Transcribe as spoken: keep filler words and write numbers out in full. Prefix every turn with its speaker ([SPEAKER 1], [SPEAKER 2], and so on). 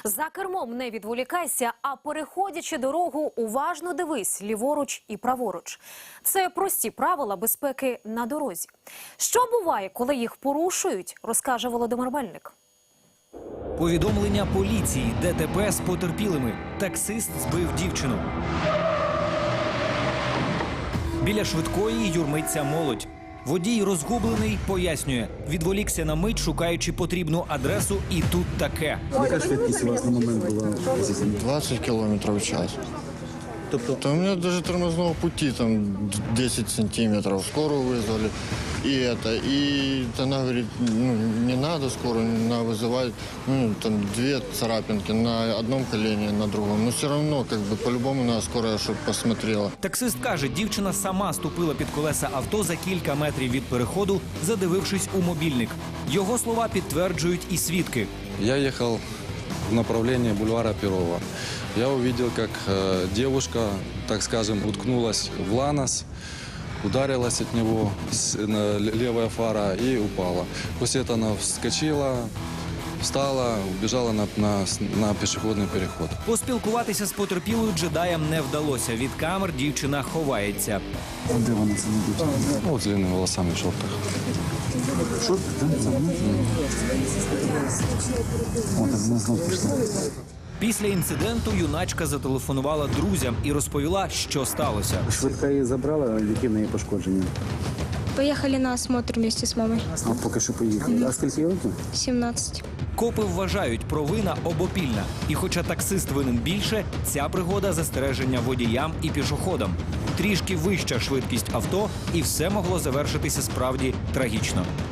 [SPEAKER 1] За кермом не відволікайся, а переходячи дорогу, уважно дивись ліворуч і праворуч. Це прості правила безпеки на дорозі. Що буває, коли їх порушують, розкаже Володимир Мельник.
[SPEAKER 2] Повідомлення поліції, ДТП з потерпілими. Таксист збив дівчину. Біля швидкої юрмиться молодь. Водій розгублений пояснює, відволікся на мить, шукаючи потрібну адресу, і тут таке.
[SPEAKER 3] Яка швидкість у вас на момент була?
[SPEAKER 4] двадцать километров в час.
[SPEAKER 3] Тобто,
[SPEAKER 4] То у меня даже тормозного пути там десять сантиметров. Скорую вызвали. И это, и она говорит, ну, не надо скорую, не надо вызывать. Ну, там две царапинки на одном колене, на другом. Но все равно, как бы, по-любому надо скорая, чтобы посмотрела.
[SPEAKER 2] Таксист каже, дівчина сама ступила під колеса авто за кілька метрів від переходу, задивившись у мобільник. Його слова підтверджують і свідки.
[SPEAKER 5] Я ехал в направлении бульвара Перова. Я увидел, как э, девушка, так скажем, уткнулась в ланос, ударилась от него с, на, левая фара и упала. После этого она вскочила, встала, убежала на, на, на пешеходный переход.
[SPEAKER 2] Поспілкуватися з потерпілою джедаєм не вдалося. Від камер дівчина ховається.
[SPEAKER 3] де вона це не дівчина?
[SPEAKER 5] Ну, с длинными волосами в шортах.
[SPEAKER 3] Що ти там за мною? О, так вона знов пішла.
[SPEAKER 2] Після інциденту юначка зателефонувала друзям і розповіла, що сталося.
[SPEAKER 3] Швидка її забрала, які в неї пошкодження?
[SPEAKER 6] Поехали на осмотр вместе с мамой.
[SPEAKER 3] А поки що поїхали. А скільки їй років?
[SPEAKER 6] семнадцать.
[SPEAKER 2] Копи вважають, провина обопільна. І хоча таксист винен більше, ця пригода – застереження водіям і пішоходам. Трішки вища швидкість авто, і все могло завершитися справді трагічно.